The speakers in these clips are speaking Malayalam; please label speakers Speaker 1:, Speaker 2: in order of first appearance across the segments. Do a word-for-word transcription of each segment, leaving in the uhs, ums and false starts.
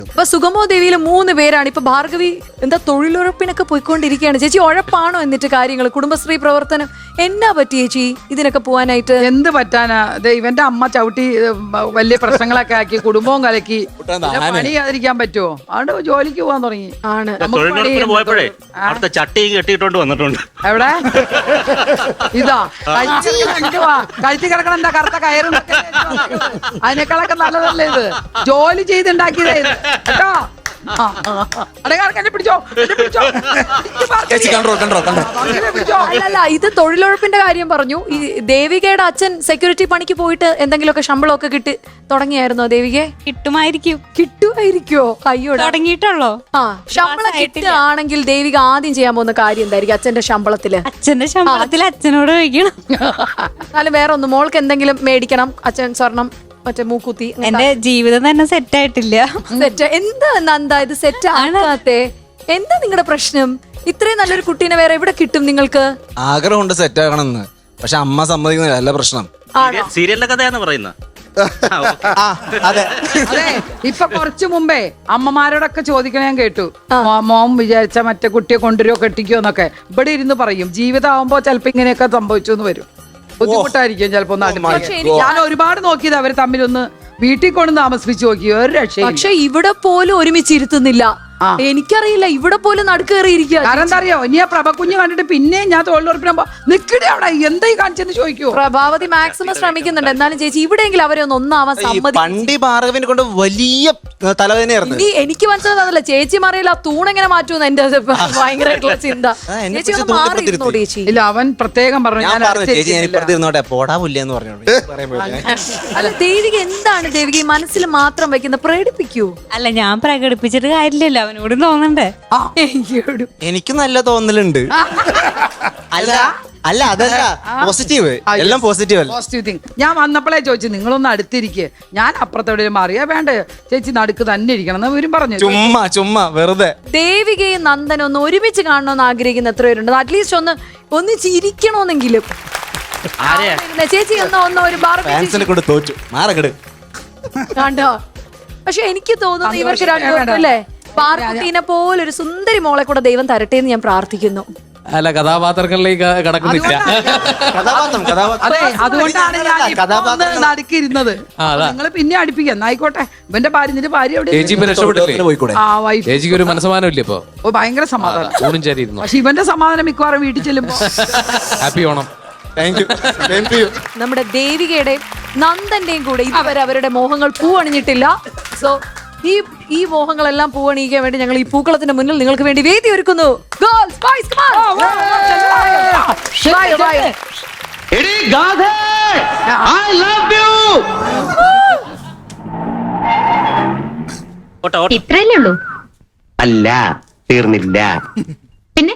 Speaker 1: ഇപ്പൊ സുഗമോ ദേവിയില് മൂന്ന് പേരാണ്. ഇപ്പൊ ഭാർഗവി എന്താ തൊഴിലുറപ്പിനൊക്കെ പോയിക്കൊണ്ടിരിക്കുകയാണ്. ചേച്ചി ഉഴപ്പാണോ എന്നിട്ട് കാര്യങ്ങൾ കുടുംബശ്രീ പ്രവർത്തനം എന്നാ പറ്റി ചേച്ചി ഇതിനൊക്കെ പോവാനായിട്ട്?
Speaker 2: എന്ത് പറ്റാനാ, ഇവന്റെ അമ്മ ചവിട്ടി വലിയ പ്രശ്നങ്ങളൊക്കെ ആക്കി കുടുംബവും കലക്കി. പണി ചെയ്യാതിരിക്കാൻ പറ്റുമോ? അതുകൊണ്ട് ജോലിക്ക് പോകാൻ തുടങ്ങി.
Speaker 1: ആണ്
Speaker 3: പോയപ്പോഴേ അടുത്ത ചട്ടി കെട്ടിയിട്ടോണ്ട് വന്നിട്ടുണ്ട്.
Speaker 2: എവിടെ ഇതാ കഴുത്തി കിടക്കണം എന്താ കറുത്ത കയറും അതിനേക്കാളൊക്കെ നല്ലതല്ലേ ഇത്. ജോലി ചെയ്തുണ്ടാക്കിയതേ ഇത് കേട്ടോ.
Speaker 1: അല്ലല്ല, ഇത് തൊഴിലുറപ്പിന്റെ കാര്യം പറഞ്ഞു. ഈ ദേവികയുടെ അച്ഛൻ സെക്യൂരിറ്റി പണിക്ക് പോയിട്ട് എന്തെങ്കിലുമൊക്കെ ശമ്പളമൊക്കെ കിട്ടി തുടങ്ങിയായിരുന്നോ ദേവികയെ?
Speaker 4: കിട്ടുമായിരിക്കും.
Speaker 1: കിട്ടുമായിരിക്കോ? അയ്യോ
Speaker 4: തുടങ്ങിയിട്ടുള്ളോ?
Speaker 1: ആ, ശമ്പളം കിട്ടുകയാണെങ്കിൽ ദേവിക ആദ്യം ചെയ്യാൻ പോകുന്ന കാര്യം എന്തായിരിക്കും അച്ഛന്റെ ശമ്പളത്തില്?
Speaker 4: അച്ഛന്റെ ശമ്പളത്തിൽ അച്ഛനോട് ചോദിക്കണം.
Speaker 1: എന്നാലും വേറെ ഒന്ന് മോൾക്ക് എന്തെങ്കിലും മേടിക്കണം. അച്ഛൻ സ്വർണം മറ്റേ മൂക്കുത്തി.
Speaker 4: എന്റെ ജീവിതം തന്നെ സെറ്റ് ആയിട്ടില്ല.
Speaker 1: സെറ്റ് എന്താ നന്ദ ഇത് സെറ്റ് ആകാത്തെ? എന്താ നിങ്ങളുടെ പ്രശ്നം? ഇത്രയും നല്ലൊരു കുട്ടീനെ വേറെ എവിടെ കിട്ടും നിങ്ങൾക്ക്?
Speaker 5: ആഗ്രഹമുണ്ട് സെറ്റ് ആകണമെന്ന്, പക്ഷെ അമ്മ സമ്മതിക്കുന്നില്ല. അല്ല പ്രശ്നം.
Speaker 3: സീരിയലിന്റെ കഥയാന്ന് പറയുന്നത്.
Speaker 5: അതെ
Speaker 2: അതെ, ഇപ്പൊ കുറച്ചു മുമ്പേ അമ്മമാരോടൊക്കെ ചോദിക്കണ ഞാൻ കേട്ടു. മോൻ വിചാരിച്ച മറ്റേ കുട്ടിയെ കൊണ്ടുവരുമോ കെട്ടിക്കോ എന്നൊക്കെ ഇവിടെ ഇരുന്ന് പറയും. ജീവിതം ആവുമ്പോ ചിലപ്പോ ഇങ്ങനെയൊക്കെ സംഭവിച്ചു എന്ന് വരും. ബുദ്ധിമുട്ടായിരിക്കും ചിലപ്പോ. ഞാൻ ഒരുപാട് നോക്കിയത് അവര് തമ്മിലൊന്ന് വീട്ടിൽ കൊണ്ട് താമസിപ്പിച്ചു നോക്കി, ഒരു രക്ഷയും.
Speaker 1: പക്ഷെ ഇവിടെ പോലും ഒരുമിച്ചിരുത്തുന്നില്ല. എനിക്കറിയില്ല, ഇവിടെ പോലും നടുക്കേറിയിരിക്കുക.
Speaker 2: കാരണം എന്താ അറിയോ, ഇനി ആ പ്രഭക്കുഞ്ഞ് കണ്ടിട്ട് പിന്നെ ഞാൻ തൊഴിലുറപ്പിനാകുമ്പോ നിക്കടെ അവിടെ എന്തായി കാണിച്ചെന്ന് ചോദിക്കൂ.
Speaker 1: പ്രഭാവതി മാക്സിമം ശ്രമിക്കുന്നുണ്ട്. എന്നാലും ചേച്ചി ഇവിടെയെങ്കിലും അവരെ ഒന്ന് ഒന്നാവാൻ സമ്മതി.
Speaker 5: പണ്ടി ഭാർഗവിനെ കൊണ്ട് വലിയ തലവേദനയായിരുന്നു.
Speaker 1: ഇനി എനിക്ക് മനസ്സിലാകുന്നില്ല ചേച്ചി മാറിയില്ല, തൂണെങ്ങനെ മാറ്റുമെന്ന് എന്റെ ഭയങ്കരമായിട്ടുള്ള ചിന്ത. ചേച്ചി ഒന്ന് മാറിയിരുന്നോ ചേച്ചി?
Speaker 2: ഇല്ല, അവൻ പ്രത്യേകം പറഞ്ഞു ഞാൻ
Speaker 5: ഇരുന്നോട്ടെ പോടാ പുല്ലെന്ന് പറഞ്ഞു.
Speaker 1: അല്ല ദേവിക എന്താണ് ദേവിക ഈ മനസ്സിൽ മാത്രം വെക്കുന്ന? പ്രകടിപ്പിക്കൂ.
Speaker 4: അല്ല, ഞാൻ പ്രകടിപ്പിച്ചിട്ട് കാര്യമില്ലല്ലോ, അവനോട് തോന്നണ്ടേ?
Speaker 5: എനിക്ക് നല്ല തോന്നലുണ്ട്. അല്ല അല്ല അതല്ല പോസിറ്റീവ്, എല്ലാം പോസിറ്റീവ് അല്ല.
Speaker 2: Positive thing. ഞാൻ വന്നപ്പോഴേ ചോദിച്ചു നിങ്ങളൊന്ന് അടുത്തിരിക്കുക, ഞാൻ അപ്പുറത്തോടെ മാറിയാ വേണ്ട ചേച്ചി നടുക്ക് തന്നെ ഇരിക്കണം എന്ന് ഇവരും പറഞ്ഞു.
Speaker 5: ചുമ്മാ ചുമ്മാ വെറുതെ.
Speaker 1: ദേവികയും നന്ദനും ഒന്ന് ഒരുമിച്ച് കാണണമെന്ന് ആഗ്രഹിക്കുന്ന എത്ര പേരുണ്ട്? അറ്റ്ലീസ്റ്റ് ഒന്ന് ഒന്ന് ചിരിക്കണമെന്നെങ്കിലും. ചേച്ചി ഒന്ന് ഒന്ന് ഒരു
Speaker 5: ഫാൻസിനെ കൊണ്ട് തോറ്റു മാറകട്
Speaker 1: കണ്ടോ? പക്ഷെ എനിക്ക് തോന്നുന്നു ഇവർക്ക് രണ്ടുപേർക്കും അല്ലേ പാർക്കുട്ടീനെ പോലെ ഒരു സുന്ദരി മോളെ കൂടെ ദൈവം തരട്ടെ എന്ന് ഞാൻ പ്രാർത്ഥിക്കുന്നു.
Speaker 6: അല്ല, കഥാപാത്രങ്ങളിലേക്ക് കടക്കുന്നില്ല.
Speaker 2: അതെ, അതുകൊണ്ടാണ് ഞാൻ നടുക്കിരുന്നത്. നിങ്ങൾ പിന്നെ അടുപ്പിക്കാം എന്നായിക്കോട്ടെ. ഇവന്റെ ഭാര്യ നിന്റെ ഭാര്യ എവിടെ?
Speaker 6: ചേച്ചിക്ക് ഒരു മനസ്സമാനം ഇല്ല ഇപ്പൊ?
Speaker 2: ഓ, ഭയങ്കര സമാധാനം.
Speaker 6: പക്ഷെ
Speaker 2: ഇവന്റെ സമാധാനം മിക്കവാറും വീട്ടിൽ ചെല്ലുമ്പോ.
Speaker 6: ഹാപ്പി ഓണം.
Speaker 1: നമ്മുടെ ദേവികയുടെയും നന്ദന്റെയും കൂടെ ഇതുവരെ അവരുടെ മോഹങ്ങൾ പൂവണിഞ്ഞിട്ടില്ല. സോ ഈ ഈ മോഹങ്ങളെല്ലാം പൂവണിയിക്കാൻ വേണ്ടി ഞങ്ങൾ ഈ പൂക്കളത്തിന്റെ മുന്നിൽ നിങ്ങൾക്ക് വേണ്ടി വേദി ഒരുക്കുന്നു.
Speaker 7: ഇത്രയല്ലേ ഉള്ളൂ?
Speaker 8: അല്ല, തീർന്നില്ല.
Speaker 7: പിന്നെ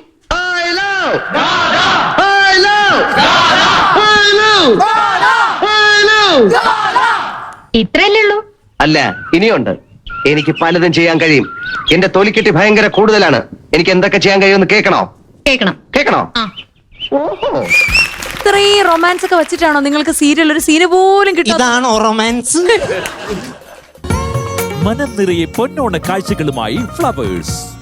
Speaker 7: ഇത്രയല്ലേ ഉള്ളൂ?
Speaker 8: അല്ല, ഇനിയുണ്ട്. എനിക്ക് പലതും ചെയ്യാൻ കഴിയും. എന്റെ തൊലിക്കെട്ടി ഭയങ്കര കൂടുതലാണ്. എനിക്ക് എന്തൊക്കെ ചെയ്യാൻ കഴിയുമെന്ന് കേൾക്കണോ?
Speaker 7: കേൾക്കണം.
Speaker 8: കേൾക്കണോ?
Speaker 7: ഓഹോ,
Speaker 1: ഇത്രയും റൊമാൻസ് ഒക്കെ വെച്ചിട്ടാണോ നിങ്ങൾക്ക് സീരിയൽ ഒരു സീന് പോലും കിട്ടും?
Speaker 5: ഇതാണോ റൊമാൻസ്?
Speaker 9: മനം നിറയെ പൊന്നോണ കാഴ്ചകളുമായി ഫ്ലവേഴ്സ്.